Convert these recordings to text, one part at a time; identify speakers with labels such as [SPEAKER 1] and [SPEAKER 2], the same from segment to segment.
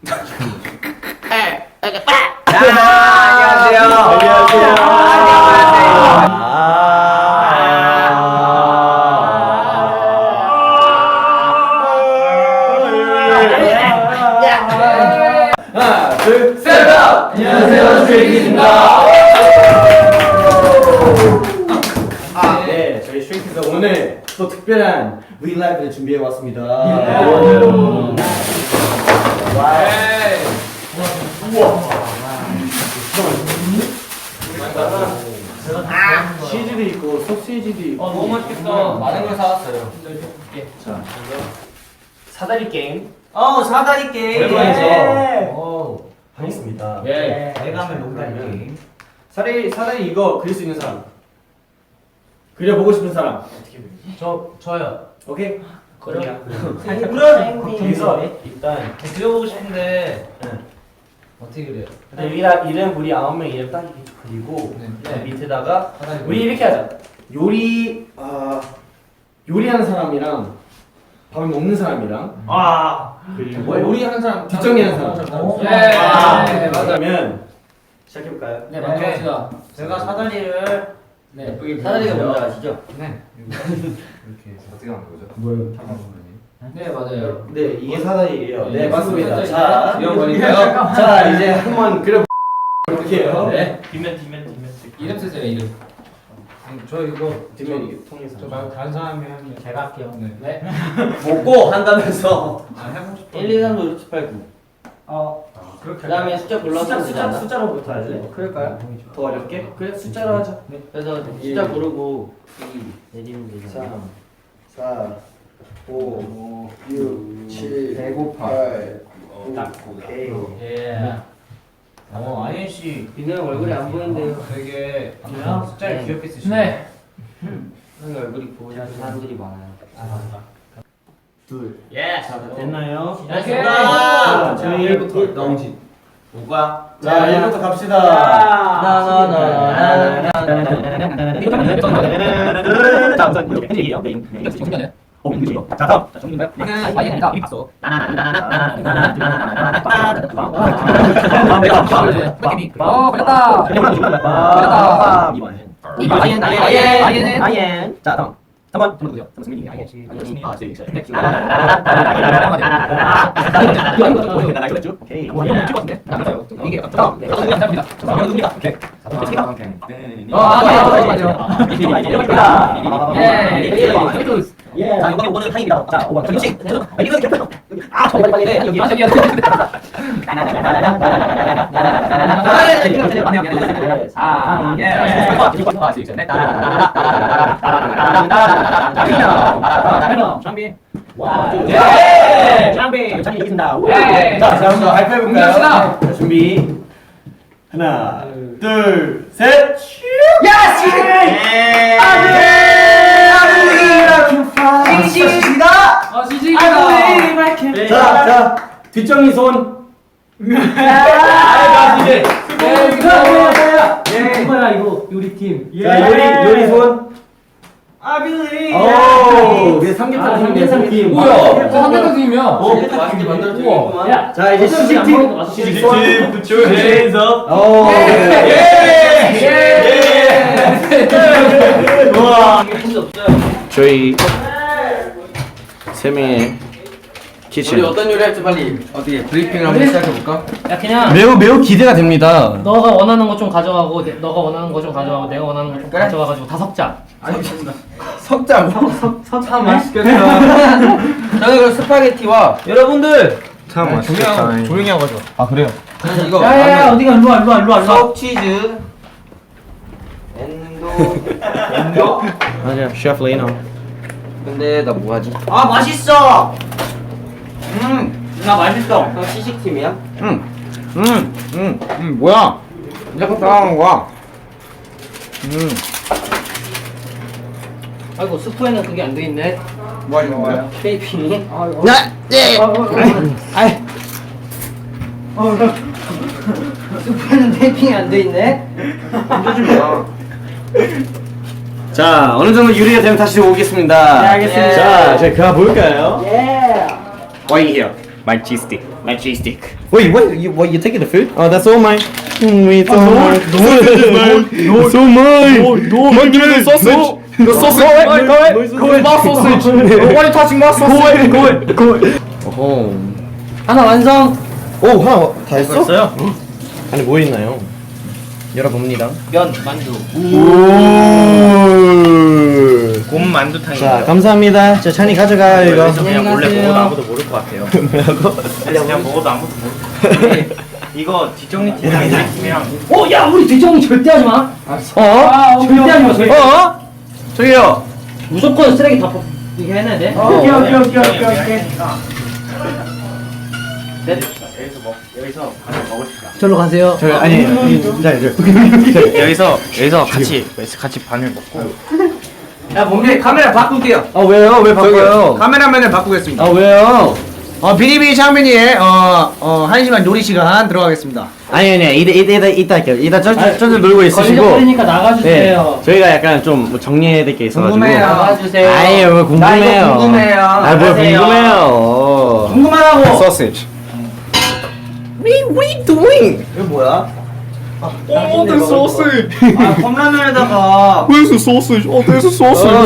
[SPEAKER 1] 하나, 둘, 셋! 안녕하세요, 스트레이키즈입니다. 네, 저희 스트레이키즈 오늘 또 특별한 브이라이브를 준비해 왔습니다. 치즈도 있고 소시지도 있고.
[SPEAKER 2] 너무 맛있겠다.
[SPEAKER 3] 많은 걸 사왔어요.
[SPEAKER 1] 자,
[SPEAKER 2] 사다리 게임.
[SPEAKER 3] 사다리 게임.
[SPEAKER 1] 오랜만이죠. 하겠습니다.
[SPEAKER 2] 예.
[SPEAKER 3] 내가 하면 농다리 게임.
[SPEAKER 1] 사다리 이거 그릴 수 있는 사람. 그려보고 싶은 사람.
[SPEAKER 2] 저요.
[SPEAKER 1] 오케이?
[SPEAKER 2] 그래요?
[SPEAKER 1] 거기서 일단
[SPEAKER 2] 그려보고 싶은데 어떻게 그래요?
[SPEAKER 1] 이름 우리 9명 이름 딱 이렇게 그리고
[SPEAKER 2] 네.
[SPEAKER 1] 밑에다가 우리 이렇게 하자. 요리하는 사람이랑 밥을 먹는 사람이랑 그리고
[SPEAKER 2] 요리하는 사람
[SPEAKER 1] 뒷정리하는 사람.
[SPEAKER 2] 네,
[SPEAKER 1] 맞다면 시작해볼까요?
[SPEAKER 2] 네, 먼저 합시다.
[SPEAKER 3] 제가 사다리를
[SPEAKER 2] 네.
[SPEAKER 3] 예쁘게
[SPEAKER 1] 사다리가
[SPEAKER 3] 그렸어요.
[SPEAKER 1] 뭔지 아시죠?
[SPEAKER 2] 네.
[SPEAKER 3] 이렇게 해서 어떻게 하는 거죠?
[SPEAKER 1] 뭐요?
[SPEAKER 2] 네, 맞아요.
[SPEAKER 1] 네, 이게 사다리예요. 네,
[SPEAKER 2] 네,
[SPEAKER 1] 맞습니다.
[SPEAKER 2] 사다리.
[SPEAKER 1] 자,
[SPEAKER 2] 이런 거니까요.
[SPEAKER 1] 자, 이제 한번 그려볼게요.
[SPEAKER 2] 네.
[SPEAKER 3] 뒷면.
[SPEAKER 2] 이름 쓰세요, 이름.
[SPEAKER 3] 저 이거
[SPEAKER 1] 뒷면 이게 통해서.
[SPEAKER 3] 저 말고 다른 사람이 하면 제가 할게요.
[SPEAKER 2] 네.
[SPEAKER 1] 먹고 한다면서.
[SPEAKER 3] 해보고 싶어.
[SPEAKER 4] 1, 2, 3, 4, 5, 6, 7, 8, 9.
[SPEAKER 3] 그렇게.
[SPEAKER 4] 그 다음에 숫자 골라서 숫자.
[SPEAKER 1] 숫자로부터 할래?
[SPEAKER 4] 그럴까요?
[SPEAKER 1] 더 어렵게? 그래, 숫자로 하자.
[SPEAKER 4] 그래서 숫자 고르고 2 내리면 되잖아요.
[SPEAKER 1] 4, 5, 6, 7,
[SPEAKER 4] 배고파.
[SPEAKER 1] 8, 9,
[SPEAKER 3] 딱.
[SPEAKER 1] 오케이.
[SPEAKER 2] 예.
[SPEAKER 3] 아이엔 씨
[SPEAKER 4] 민호 형 얼굴이 안 보이는데요.
[SPEAKER 3] 되게
[SPEAKER 2] 그래요?
[SPEAKER 3] 숫자를 귀엽게 쓰시네.
[SPEAKER 2] 네.
[SPEAKER 4] 형이 얼굴이 보이는 사람들이 많아요.
[SPEAKER 1] 둘.
[SPEAKER 3] 예.
[SPEAKER 1] 자, 됐나요?
[SPEAKER 2] 오케이.
[SPEAKER 1] 자, 저희 1부터
[SPEAKER 3] 영진. 뭐가?
[SPEAKER 1] 자, 1부터 갑시다. 자, 우선 이렇게 팬이에요. 메인. 자, 다음. 자, 정리인가요?
[SPEAKER 2] 아니다. 이미 봤어. 걸렸다.
[SPEAKER 1] 아이엔. 자, 다음. 3번 누구죠? 승민이 아이엔. 오케이. 이거 찍었는데? 이게 다음. 누굽니까? 오케이. 예. 자, 이거는 타임이다. 자, 5번. 정식. 이거 이렇게. 아, 빨리. 여기. 여기. 장비. 장비. 장비 이긴다. 자, 자, 한번 하이파이브 볼까요? 자, 준비. 하나, 둘, 셋. 시식이다. 자, 뒷정리 손.
[SPEAKER 4] 이거야 이거 요리 팀.
[SPEAKER 1] 자, 요리 손. 오, 이제 삼계탕 팀이네, 삼계탕.
[SPEAKER 2] 뭐야? 삼계탕 팀이야.
[SPEAKER 4] 맛있게 만들어주겠구만.
[SPEAKER 1] 자, 이제 시식팀. 시식팀. Put your hands up. 오. 우와. 저희 세 명의 키친.
[SPEAKER 4] 우리 어떤 요리 할지 빨리 어떻게 브리핑을 한번 시작해볼까?
[SPEAKER 2] 야, 그냥
[SPEAKER 1] 매우 기대가 됩니다.
[SPEAKER 2] 너가 원하는 거 좀 가져가고 너가 원하는 거 좀 가져가고 내가 원하는 거 좀 가져와가지고 다 섞자.
[SPEAKER 4] 석자고? 참 맛있겠다. 저는 그럼 스파게티와 여러분들
[SPEAKER 1] 참 맛있겠다.
[SPEAKER 3] 조용히 하고 가져.
[SPEAKER 1] 아, 그래요?
[SPEAKER 4] 저는 이거
[SPEAKER 2] 야야야 어디가 일로 와.
[SPEAKER 4] 석 치즈 엔도
[SPEAKER 1] 맞아요. 셰프 레이너.
[SPEAKER 4] 근데 나 뭐하지? 아 맛있어!
[SPEAKER 2] 나 맛있어.
[SPEAKER 4] 형 시식팀이야?
[SPEAKER 1] 뭐야? 이제 따라하는 거야.
[SPEAKER 2] 아이고 스프에는 그게 안 돼 있네.
[SPEAKER 1] 뭐 하는 거야?
[SPEAKER 4] 페이핑이? 스프에는 테이핑이 안 돼 있네?
[SPEAKER 1] 자, 어느 정도 유리가 되면 다시 오겠습니다.
[SPEAKER 4] 네, 알겠습니다.
[SPEAKER 1] 자, 저희 그가 볼까요?
[SPEAKER 4] 예!
[SPEAKER 1] Why here?
[SPEAKER 5] My cheese stick. My cheese stick.
[SPEAKER 1] Wait, what? You taking the food? Oh, that's all mine. It's all mine. It's all mine. No, give me the sausage. The sausage. Go away. My sausage. Why are you touching my sausage? Go away. 어.
[SPEAKER 2] 하나 완성.
[SPEAKER 1] 오, 하나 다 했어?
[SPEAKER 2] 됐어요?
[SPEAKER 1] 안에 뭐 있나요? 열어봅니다.
[SPEAKER 2] 면 만두.
[SPEAKER 5] 곰 만두탕이.
[SPEAKER 1] 자, 감사합니다. 자, 찬이 가져가 이거.
[SPEAKER 5] 여기서 그냥 몰래
[SPEAKER 2] 안녕히
[SPEAKER 5] 먹어도
[SPEAKER 2] 가세요.
[SPEAKER 5] 아무도 모를 것 같아요. 그냥 먹어도 아무도 모를 것 같아요. 이거 뒷정리 팀이랑 우리 팀이랑
[SPEAKER 2] 야 우리 뒷정리 절대 하지 마. 절대 하지 마. 절대.
[SPEAKER 1] 저기요.
[SPEAKER 2] 무조건 쓰레기 다 이렇게 해놔야 돼.
[SPEAKER 1] 오케이.
[SPEAKER 5] 여기서 같이 먹읍시다.
[SPEAKER 2] 절로 가세요.
[SPEAKER 1] 저 아니,
[SPEAKER 5] 여기서 같이 반을 먹고.
[SPEAKER 3] 야 몸에 카메라 바꿀게요.
[SPEAKER 1] 아 왜요? 왜 바꿔요?
[SPEAKER 3] 카메라맨을 바꾸겠습니다.
[SPEAKER 1] 아 왜요?
[SPEAKER 3] 비리비리 창민이의 1시간 요리 시간 들어가겠습니다.
[SPEAKER 1] 아니 이따 할게요. 이따 저들 놀고 있으시고.
[SPEAKER 2] 걸리니까 나가주세요.
[SPEAKER 1] 저희가 약간 좀뭐 정리해야 될 게 있어가지고.
[SPEAKER 3] 궁금해요.
[SPEAKER 2] 나가주세요.
[SPEAKER 1] 아유 뭐 궁금해요.
[SPEAKER 3] 나 이거 궁금해요.
[SPEAKER 1] 아 뭐
[SPEAKER 2] 나가세요.
[SPEAKER 1] 궁금해요.
[SPEAKER 3] 궁금하다고.
[SPEAKER 1] Sausage. What are you doing?
[SPEAKER 3] 이거 뭐야?
[SPEAKER 5] Oh, the sausage.
[SPEAKER 3] 컵라면에다가
[SPEAKER 1] Where's the sausage? Oh, there's a sausage.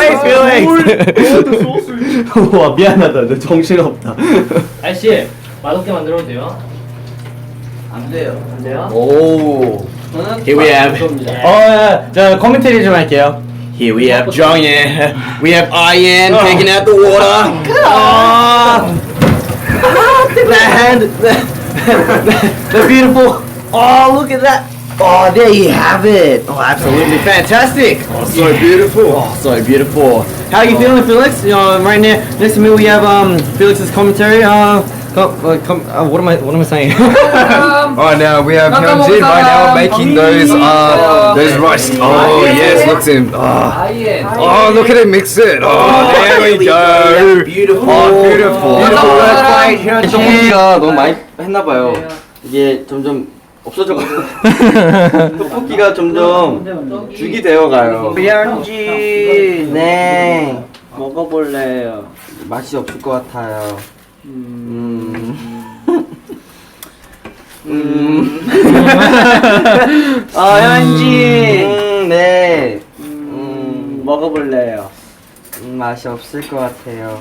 [SPEAKER 1] Felix. 와 미안하다. 너 정신 없다.
[SPEAKER 2] 아저씨 맛없게 만들어도 돼요?
[SPEAKER 3] 안 돼요.
[SPEAKER 2] 안 돼요?
[SPEAKER 1] 오.
[SPEAKER 3] 저는
[SPEAKER 1] Here we have. 저 코멘터리 좀 할게요. Here we have Jongin. We have Ian taking out the water. The beautiful. Oh, look at that. Oh, there you have it. Oh, absolutely fantastic. Oh, so beautiful. Oh, so beautiful. How are you feeling, Felix? Right now, next to me we have Felix's commentary. What am I saying?
[SPEAKER 6] Oh, now we have Hyunjin right now making those rice. Oh yes, look at him. Oh, look at him mix it. Oh, there we go.
[SPEAKER 1] Beautiful.
[SPEAKER 6] Oh, beautiful.
[SPEAKER 1] Beautiful work by
[SPEAKER 6] 네.
[SPEAKER 1] 떡볶이가 너무 많이 했나봐요. 이게 점점 없어져가지고 떡볶이가 점점 죽이 되어가요. 현지 네 먹어볼래요. 맛이 없을 것 같아요. 현지 네 먹어볼래요. 맛이 없을 것 같아요.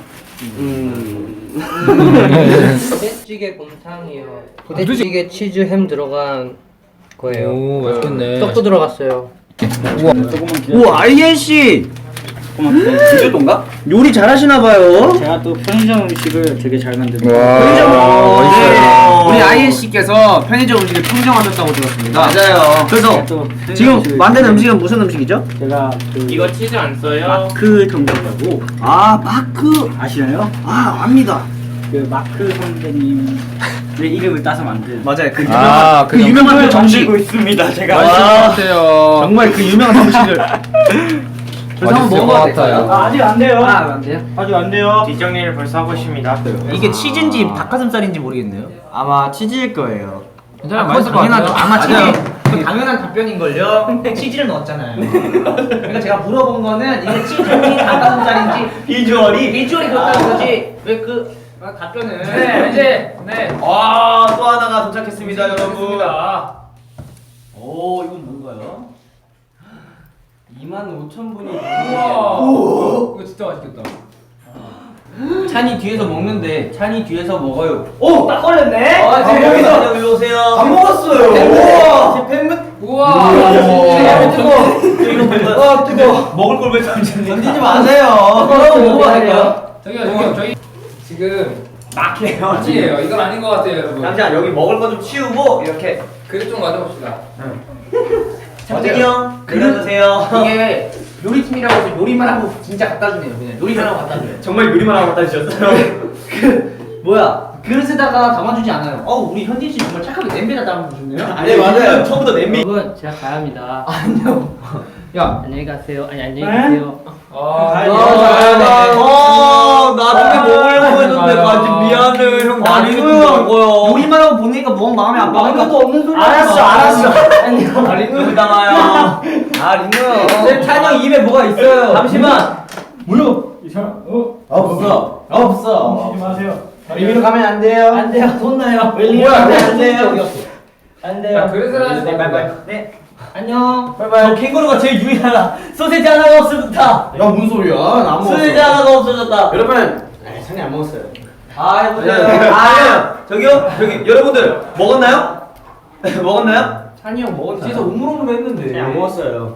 [SPEAKER 2] 부대찌개 곰탕이요. 부대찌개 치즈 햄 들어간 거예요.
[SPEAKER 4] 오 맛있겠네.
[SPEAKER 2] 떡도 들어갔어요.
[SPEAKER 1] 우와 아이엔 씨. 제주도인가? 요리 잘하시나봐요.
[SPEAKER 4] 제가 또 편의점 음식을 되게 잘 만듭니다.
[SPEAKER 3] 우리 아이엔 씨께서 편의점 음식을 평정하셨다고 들었습니다.
[SPEAKER 1] 맞아요.
[SPEAKER 3] 그래서
[SPEAKER 4] 또
[SPEAKER 3] 지금
[SPEAKER 4] 편의점
[SPEAKER 3] 만든 음식은 무슨 음식이죠?
[SPEAKER 4] 제가 그
[SPEAKER 5] 이거 치즈 안 써요?
[SPEAKER 4] 마크 정답이라고
[SPEAKER 3] 아 마크.
[SPEAKER 4] 아시나요?
[SPEAKER 3] 아 압니다.
[SPEAKER 4] 그 마크 선배님의 이름을 따서 만든
[SPEAKER 3] 맞아요. 그
[SPEAKER 6] 아,
[SPEAKER 3] 유명한 그 정식.
[SPEAKER 1] 있습니다. 제가.
[SPEAKER 6] 맛있을 것 같아요.
[SPEAKER 3] 정말 그 유명한 정식을. 그래서 한번 먹어봐도 돼요?
[SPEAKER 4] 아직 안 돼요.
[SPEAKER 3] 안 돼요?
[SPEAKER 4] 아직 안 돼요.
[SPEAKER 5] 뒷정리를 벌써 하고 있습니다.
[SPEAKER 3] 이게 치즈인지 닭가슴살인지 모르겠네요.
[SPEAKER 1] 아마 치즈일 거예요.
[SPEAKER 3] 맛있을 것 같아요. 아마 치즈. 그 당연한 답변인걸요. 치즈를 넣었잖아요. 그러니까 제가 물어본 거는 이게 치즈인지 닭가슴살인지 비주얼이 그렇다는 거지. 왜 그 답변을? 네 이제 또 하나가 도착했습니다, 여러분. 오 이건 뭔가요?
[SPEAKER 1] 25,000분이.
[SPEAKER 3] 이거 진짜 맛있겠다.
[SPEAKER 1] 찬이 뒤에서 먹는데 찬이 뒤에서 먹어요.
[SPEAKER 3] 오! 딱 걸렸네? 여기 오세요. 안 먹었어요. 우와! 우와! 뜨거워. 뜨거워. 먹을 걸 왜 던지지 마세요. 그럼 먹어야 될까요?
[SPEAKER 7] 저기 지금 막해요. 이건 아닌 것 같아요, 여러분.
[SPEAKER 3] 잠시만 여기 먹을 거 좀 치우고 이렇게
[SPEAKER 7] 그릇 좀 가져봅시다.
[SPEAKER 3] 창빈이 형 내려주세요. 이게 요리팀이라고 해서 요리만 하고 진짜 갖다 주네요. 그냥 요리만 하고 갖다 줘요.
[SPEAKER 1] 정말 요리만 하고 갖다 주셨어요.
[SPEAKER 3] 뭐야? 그릇에다가 담아주지 않아요. 우리 현진 씨 정말 착하게 냄비에다 담아주셨네요.
[SPEAKER 1] 네 맞아요. 처음부터 냄비.
[SPEAKER 2] 여러분 제가 가야 합니다.
[SPEAKER 3] 아니요.
[SPEAKER 7] 야,
[SPEAKER 2] 안녕히 가세요. 아니 안녕히 계세요.
[SPEAKER 1] 나중에 먹으려고 했는데 가지 미안해 형. 나중에 먹어요.
[SPEAKER 3] 요리만 하고 보니까 뭔 마음이 안 받으니까
[SPEAKER 2] 없는 소리.
[SPEAKER 3] 알았어. 리누 나와요. 리누. 찬이 형 입에 뭐가 있어요. 잠시만.
[SPEAKER 4] 이 사람
[SPEAKER 3] 없어.
[SPEAKER 4] 마세요.
[SPEAKER 1] 리뷰로 가면 안 돼요.
[SPEAKER 3] 안 돼요. 혼나요.
[SPEAKER 1] 뭐야?
[SPEAKER 3] 안 돼요. 안
[SPEAKER 7] 야,
[SPEAKER 3] 돼요.
[SPEAKER 7] 그래서 하지
[SPEAKER 3] 네,
[SPEAKER 7] 마.
[SPEAKER 3] 바이바이. 네. 안녕. 바이바이. 저 캥거루가 제일 유일하다. 소세지 하나가 없어졌다.
[SPEAKER 1] 야, 뭔 소리야? 나안 먹었어.
[SPEAKER 3] 소세지 하나가 없어졌다.
[SPEAKER 1] 여러분, 찬이 안 먹었어요.
[SPEAKER 3] 아, 해보세요.
[SPEAKER 5] 아니요. 저기 여러분들 먹었나요? 먹었나요?
[SPEAKER 3] 찬이 형 먹었지. 진짜 우물우물 했는데.
[SPEAKER 1] 안 먹었어요.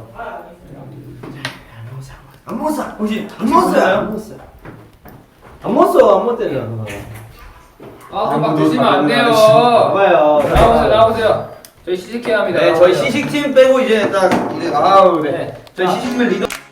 [SPEAKER 5] 안 먹었어. 혹시 안 먹었어요?
[SPEAKER 1] 안 먹었대요.
[SPEAKER 7] 아, 막 드시면 안 돼요.
[SPEAKER 1] 봐봐요.
[SPEAKER 7] 나오세요, 나오세요. 저희 시식해야 합니다.
[SPEAKER 5] 네, 저희 시식팀 빼고 이제 딱 이제 아우 네. 저희 시식팀 리더